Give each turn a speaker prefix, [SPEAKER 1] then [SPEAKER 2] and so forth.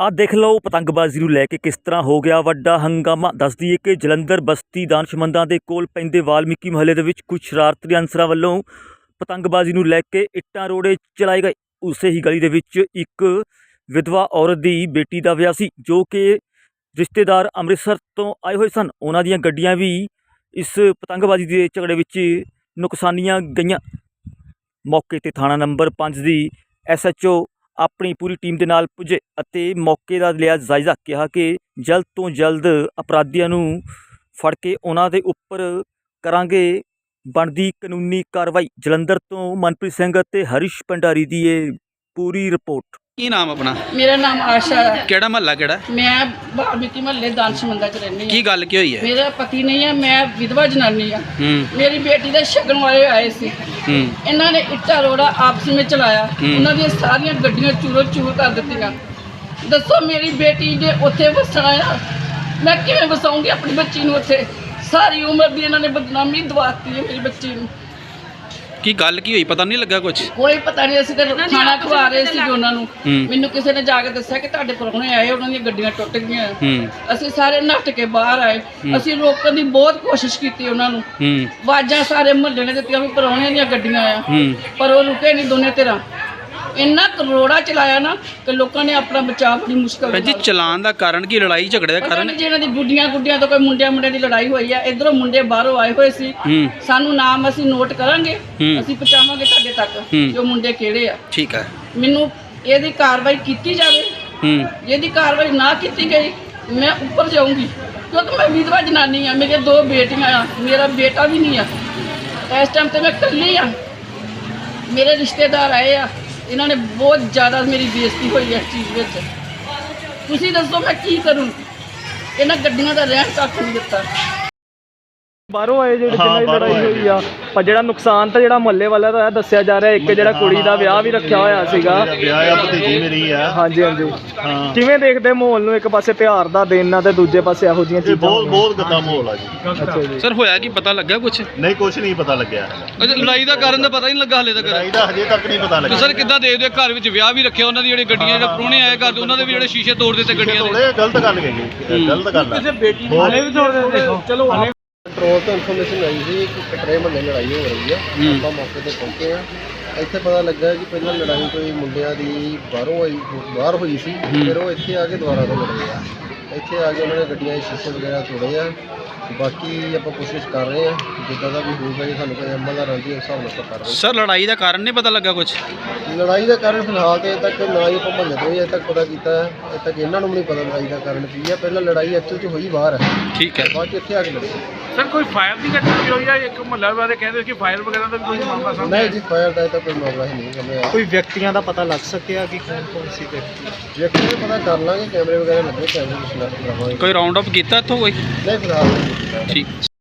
[SPEAKER 1] ਆ ਦੇਖ ਲਓ ਪਤੰਗਬਾਜ਼ੀ ਨੂੰ ਲੈ ਕੇ ਕਿਸ ਤਰ੍ਹਾਂ ਹੋ ਗਿਆ ਵੱਡਾ ਹੰਗਾਮਾ। ਦੱਸ ਦਈਏ ਕਿ ਜਲੰਧਰ ਬਸਤੀ ਦਾਨਿਸ਼ਮੰਦਾਂ ਦੇ ਕੋਲ ਪੈਂਦੇ ਵਾਲਮੀਕੀ ਮੁਹੱਲੇ ਦੇ ਵਿੱਚ ਕੁਝ ਸ਼ਰਾਰਤੀ ਅਨਸਰਾਂ ਵੱਲੋਂ ਪਤੰਗਬਾਜ਼ੀ ਨੂੰ ਲੈ ਕੇ ਇੱਟਾਂ ਰੋੜੇ ਚਲਾਏ ਗਏ। ਉਸੇ ਹੀ ਗਲੀ ਦੇ ਵਿੱਚ ਇੱਕ ਵਿਧਵਾ ਔਰਤ ਦੀ ਬੇਟੀ ਦਾ ਵਿਆਹ ਸੀ, ਜੋ ਕਿ ਰਿਸ਼ਤੇਦਾਰ ਅੰਮ੍ਰਿਤਸਰ ਤੋਂ ਆਏ ਹੋਏ ਸਨ। ਉਹਨਾਂ ਦੀਆਂ ਗੱਡੀਆਂ ਵੀ ਇਸ ਪਤੰਗਬਾਜ਼ੀ ਦੇ ਝਗੜੇ ਵਿੱਚ ਨੁਕਸਾਨੀਆਂ ਗਈਆਂ। ਮੌਕੇ 'ਤੇ ਥਾਣਾ ਨੰਬਰ 5 ਦੀ SHO ਆਪਣੀ ਪੂਰੀ ਟੀਮ ਦੇ ਨਾਲ ਪੁੱਜੇ ਅਤੇ ਮੌਕੇ ਦਾ ਲਿਆ ਜਾਇਜ਼ਾ। ਕਿਹਾ ਕਿ ਜਲਦ ਤੋਂ ਜਲਦ ਅਪਰਾਧੀਆਂ ਨੂੰ ਫੜ ਕੇ ਉਹਨਾਂ ਦੇ ਉੱਪਰ ਕਰਾਂਗੇ ਬਣਦੀ ਕਾਨੂੰਨੀ ਕਾਰਵਾਈ। ਜਲੰਧਰ ਤੋਂ ਮਨਪ੍ਰੀਤ ਸਿੰਘ ਅਤੇ ਹਰੀਸ਼ ਭੰਡਾਰੀ ਦੀ ਇਹ ਪੂਰੀ ਰਿਪੋर्ट।
[SPEAKER 2] ਕੀ ਨਾਮ ਆਪਣਾ?
[SPEAKER 3] मेरा नाम आशा है।
[SPEAKER 2] ਕਿਹੜਾ ਮਹੱਲਾ ਕਿਹੜਾ?
[SPEAKER 3] मैं वाल्मीकि महल्ले दानशमंदा च रहनी
[SPEAKER 2] ਕੀ ਗੱਲ ਕੀ ਹੋਈ ਹੈ?
[SPEAKER 3] मेरा पति नहीं है, मैं विधवा जनानी हाँ।
[SPEAKER 2] ਹੂੰ
[SPEAKER 3] मेरी बेटी ਦੇ ਸ਼ਗਨ ਵਾਲੇ ਆਏ ਸੀ।
[SPEAKER 2] ਹੂੰ
[SPEAKER 3] ਇਹਨਾਂ ਨੇ ਇੱਟਾਂ ਰੋੜਾ ਆਪਸ ਵਿੱਚ ਚਲਾਇਆ। ਉਹਨਾਂ ਦੀਆਂ ਸਾਰੀਆਂ ਗੱਡੀਆਂ ਚੂਰੋ ਚੂਰ ਕਰ ਦਿੱਤੀਆਂ। ਦੱਸੋ ਮੇਰੀ ਬੇਟੀ ਜੇ ਉੱਥੇ ਵਸਣਾ ਆ, ਮੈਂ ਕਿਵੇਂ ਵਸਾਉਂਗੀ ਆਪਣੀ ਬੱਚੀ ਨੂੰ ਉੱਥੇ? ਸਾਰੀ ਉਮਰ ਦੀ ਇਹਨਾਂ ਨੇ ਬਦਨਾਮੀ ਦਵਾਤੀ ਹੈ ਮੇਰੀ ਬੱਚੀ ਨੂੰ।
[SPEAKER 2] ਕੀ ਗੱਲ ਕੀ ਹੋਈ? ਪਤਾ ਨਹੀਂ ਲੱਗਾ ਕੁਝ?
[SPEAKER 3] ਕੋਈ ਪਤਾ ਨਹੀਂ, ਅਸੀਂ ਤਾਂ ਖਾਣਾ ਖਵਾ ਰਹੇ ਸੀ ਉਹਨਾਂ ਨੂੰ।
[SPEAKER 2] ਹੂੰ
[SPEAKER 3] ਮੈਨੂੰ ਕਿਸੇ ਨੇ ਜਾ ਕੇ ਦੱਸਿਆ ਕਿ ਤੁਹਾਡੇ ਪ੍ਰਾਹੁਣੇ ਆਏ, ਉਹਨਾਂ ਦੀਆਂ ਗੱਡੀਆਂ ਟੁੱਟ ਗਈਆਂ।
[SPEAKER 2] ਹੂੰ
[SPEAKER 3] ਅਸੀਂ ਸਾਰੇ ਨੱਠ ਕੇ ਬਾਹਰ ਆਏ। ਅਸੀਂ ਰੋਕਣ ਦੀ ਬਹੁਤ ਕੋਸ਼ਿਸ਼ ਕੀਤੀ ਉਹਨਾਂ ਨੂੰ,
[SPEAKER 2] ਹੂੰ
[SPEAKER 3] ਆਵਾਜ਼ਾਂ ਸਾਰੇ ਮੁਹੱਲੇ ਨੇ ਦਿੱਤੀਆਂ ਵੀ ਪ੍ਰਾਹੁਣਿਆਂ ਦੀਆਂ ਗੱਡੀਆਂ ਆ,
[SPEAKER 2] ਹੂੰ
[SPEAKER 3] ਪਰ ਉਹ ਰੁਕੇ ਨਹੀਂ ਦੋਨੇ ਧਿਰਾਂ। ਇੰਨਾ ਕਰੋੜਾ ਚਲਾਇਆ ਨਾ ਕਿ ਲੋਕਾਂ ਨੇ ਆਪਣਾ ਬਚਾਅ ਬੜੀ ਮੁਸ਼ਕਲ
[SPEAKER 2] ਭੈਣ ਜੀ, ਚਲਾਨ ਦਾ ਕਾਰਨ ਕੀ? ਲੜਾਈ ਝਗੜੇ ਦਾ ਕਾਰਨ?
[SPEAKER 3] ਜਿਹਨਾਂ ਦੀ ਗੁੱਡੀਆਂ ਤੋਂ ਕੋਈ ਮੁੰਡਿਆਂ ਦੀ ਲੜਾਈ ਹੋਈ ਆ। ਇਧਰੋਂ ਮੁੰਡੇ ਬਾਹਰੋਂ ਆਏ ਹੋਏ ਸੀ।
[SPEAKER 2] ਹੂੰ
[SPEAKER 3] ਸਾਨੂੰ ਨਾਮ ਅਸੀਂ ਨੋਟ ਕਰਾਂਗੇ,
[SPEAKER 2] ਹੂੰ।
[SPEAKER 3] ਅਸੀਂ ਪਹੁੰਚਾਵਾਂਗੇ ਤੁਹਾਡੇ ਤੱਕ ਕਿ ਉਹ ਮੁੰਡੇ ਕਿਹੜੇ ਆ।
[SPEAKER 2] ਠੀਕ ਹੈ।
[SPEAKER 3] ਮੈਨੂੰ ਇਹਦੀ ਕਾਰਵਾਈ ਕੀਤੀ ਜਾਵੇ।
[SPEAKER 2] ਹੂੰ
[SPEAKER 3] ਇਹਦੀ ਕਾਰਵਾਈ ਨਾ ਕੀਤੀ ਗਈ ਮੈਂ ਉੱਪਰ ਜਾਊਂਗੀ, ਕਿਉਂਕਿ ਮੈਂ ਵਿਧਵਾ ਜਨਾਨੀ ਆ। ਮੇਰੀਆਂ 2 ਬੇਟੀਆਂ ਆ, ਮੇਰਾ ਬੇਟਾ ਵੀ ਨਹੀਂ ਆ। ਇਸ ਟਾਈਮ ਤੇ ਮੈਂ ਇਕੱਲੀ ਆ। ਮੇਰੇ ਰਿਸ਼ਤੇਦਾਰ ਆਏ ਆ, ਇਹਨਾਂ ਨੇ ਬਹੁਤ ਜ਼ਿਆਦਾ ਮੇਰੀ ਬੇਇੱਜ਼ਤੀ ਹੋਈ ਹੈ ਇਸ ਚੀਜ਼ ਵਿੱਚ। ਤੁਸੀਂ ਦੱਸੋ ਮੈਂ ਕੀ ਕਰੂੰ? ਇਹਨਾਂ ਗੱਡੀਆਂ ਦਾ ਰਹਿਣ ਤੱਕ ਨਹੀਂ ਦਿੱਤਾ।
[SPEAKER 4] ਬਾਹਰੋਂ ਆਏ ਜਿਹੜੇ ਜਿਨ੍ਹਾਂ ਦੀ ਲੜਾਈ ਹੋਈ ਆ, ਪਰ ਜਿਹੜਾ ਨੁਕਸਾਨ ਤਾਂ ਜਿਹੜਾ ਮੁਹੱਲੇ ਵਾਲਾ ਦਾ ਦੱਸਿਆ ਜਾ ਰਿਹਾ। ਇੱਕ ਜਿਹੜਾ ਕੁੜੀ ਦਾ ਵਿਆਹ ਵੀ ਰੱਖਿਆ ਹੋਇਆ ਸੀਗਾ।
[SPEAKER 5] ਵਿਆਹ ਆ, ਭਤੀਜੀ ਮੇਰੀ ਆ।
[SPEAKER 4] ਹਾਂਜੀ ਹਾਂਜੀ।
[SPEAKER 5] ਹਾਂ,
[SPEAKER 4] ਕਿਵੇਂ ਦੇਖਦੇ ਮਾਹੌਲ ਨੂੰ? ਇੱਕ ਪਾਸੇ ਤਿਉਹਾਰ ਦਾ ਦਿਨ ਆ ਤੇ ਦੂਜੇ ਪਾਸੇ ਇਹੋ ਜਿਹੀਆਂ
[SPEAKER 5] ਇਹ
[SPEAKER 4] ਚੀਜ਼ਾਂ।
[SPEAKER 5] ਬਹੁਤ ਗੰਦਾ ਮਾਹੌਲ ਆ ਜੀ।
[SPEAKER 4] ਅੱਛਾ ਜੀ।
[SPEAKER 2] ਸਰ, ਹੋਇਆ ਕੀ? ਪਤਾ ਲੱਗਾ ਕੁਝ?
[SPEAKER 5] ਨਹੀਂ, ਕੁਝ ਨਹੀਂ ਪਤਾ ਲੱਗਿਆ।
[SPEAKER 2] ਲੜਾਈ ਦਾ ਕਾਰਨ ਤਾਂ ਪਤਾ ਹੀ ਨਹੀਂ ਲੱਗਾ ਹਲੇ ਤੱਕ।
[SPEAKER 5] ਲੜਾਈ ਦਾ ਹਜੇ ਤੱਕ ਨਹੀਂ ਪਤਾ ਲੱਗਿਆ।
[SPEAKER 2] ਸਰ, ਕਿੱਦਾਂ ਦੇਖਦੇ? ਘਰ ਵਿੱਚ ਵਿਆਹ ਵੀ ਰੱਖਿਆ, ਉਹਨਾਂ ਦੀ ਜਿਹੜੇ ਗੱਡੀਆਂ ਜਿਹੜੇ ਪ੍ਰਾਹੁਣੇ ਆਏ ਘਰ ਦੇ, ਉਹਨਾਂ ਦੇ ਵੀ ਜਿਹੜੇ ਸ਼ੀਸ਼ੇ ਤੋੜ ਦਿੱਤੇ ਗੱਡੀਆਂ ਦੇ।
[SPEAKER 5] ਥੋੜੇ ਗਲਤ ਗੱਲ ਗਈ, ਗਲਤ ਗੱਲ ਆ।
[SPEAKER 4] ਬੇਟੀ ਹਾਲੇ ਵੀ ਤੋੜ ਦਿੰਦੇ। ਚਲੋ
[SPEAKER 6] ਕੰਟਰੋਲ ਤੋਂ ਇਨਫੋਰਮੇਸ਼ਨ ਆਈ ਸੀ ਕਿ ਕਟਰੇ ਮਹੱਲੇ ਲੜਾਈ ਹੋ ਰਹੀ ਆ। ਆਪਾਂ ਮੌਕੇ ਤੇ ਪਹੁੰਚੇ ਆ। ਇੱਥੇ ਪਤਾ ਲੱਗਾ ਕਿ ਪਹਿਲਾਂ ਲੜਾਈ ਕੋਈ ਮੁੰਡਿਆਂ ਦੀ ਬਾਹਰ ਹੋਈ ਸੀ, ਫਿਰ ਉਹ ਇੱਥੇ ਆ ਕੇ ਦੁਬਾਰਾ ਤੋਂ ਲੜੇ ਆ। ਇੱਥੇ ਆ ਕੇ ਉਹਨਾਂ ਨੇ ਗੱਡੀਆਂ ਦੇ ਸ਼ੀਸ਼ੇ ਵਗੈਰਾ ਤੋੜੇ ਆ। ਬਾਕੀ ਆਪਾਂ ਕੋਸ਼ਿਸ਼ ਕਰ ਰਹੇ ਆ, ਜਿੱਦਾਂ ਦਾ ਵੀ ਹੋਊਗਾ ਜੇ ਸਾਨੂੰ ਕੋਈ ਅਮਲ ਦਾ ਰਾਂਝੀ ਉਸ ਹਿਸਾਬ ਨਾਲ ਆਪਾਂ ਕਰ ਰਹੇ।
[SPEAKER 2] ਸਰ, ਲੜਾਈ ਦਾ ਕਾਰਨ ਨਹੀਂ ਪਤਾ ਲੱਗਾ ਕੁਝ?
[SPEAKER 6] ਲੜਾਈ ਦਾ ਕਾਰਨ ਫਿਲਹਾਲ ਤੇ ਅਜੇ ਤੱਕ ਨਾ ਹੀ ਆਪਾਂ ਮਹੱਲੇ ਤੋਂ ਅਜੇ ਤੱਕ ਪਤਾ ਕੀਤਾ। ਅਜੇ ਤੱਕ ਇਹਨਾਂ ਨੂੰ ਵੀ ਨਹੀਂ ਪਤਾ ਲੜਾਈ ਦਾ ਕਾਰਨ ਕੀ ਆ। ਪਹਿਲਾਂ ਲੜਾਈ ਐਕਚੁਅਲ 'ਚ ਹੋਈ ਬਾਹਰ ਹੈ,
[SPEAKER 2] ਠੀਕ ਹੈ।
[SPEAKER 6] ਬਾਅਦ 'ਚ ਇੱਥੇ ਆ ਕੇ ਲੜੇ।
[SPEAKER 7] ਸਰ, ਕੋਈ ਫਾਇਰ ਦੀ ਘਟਨਾ ਵੀ ਹੋਈ ਆ? ਇੱਕ ਮੁਹੱਲਾ ਵਾਲੇ ਕਹਿੰਦੇ ਕਿ ਫਾਇਰ ਵਗੈਰਾ ਦਾ ਵੀ ਕੋਈ ਮਾਮਲਾ ਸਾਹਮਣੇ
[SPEAKER 6] ਨਹੀਂ ਜੀ, ਫਾਇਰ ਦਾ ਤਾਂ ਕੋਈ ਮਾਮਲਾ ਹੀ ਨਹੀਂ ਸਾਹਮਣੇ ਆਇਆ।
[SPEAKER 4] ਕੋਈ ਵਿਅਕਤੀਆਂ ਦਾ ਪਤਾ ਲੱਗ ਸਕਿਆ ਕਿ ਕੌਣ ਸੀ ਤੇ?
[SPEAKER 6] ਵਿਅਕਤੀ ਨੂੰ ਪਤਾ ਕਰ ਲਾਂਗੇ, ਕੈਮਰੇ ਵਗੈਰਾ ਲੱਗੇ, ਕੈਮਰੇ ਦੀ ਸ਼ਨਾਖਤ ਕਰਾਵਾਂਗੇ।
[SPEAKER 2] ਕੋਈ ਰਾਉਂਡ ਅਪ ਕੀਤਾ ਇੱਥੋਂ ਕੋਈ?
[SPEAKER 6] ਨਹੀਂ ਫਿਲਹਾਲ ਨਹੀਂ ਕੀਤਾ।
[SPEAKER 2] ਠੀਕ।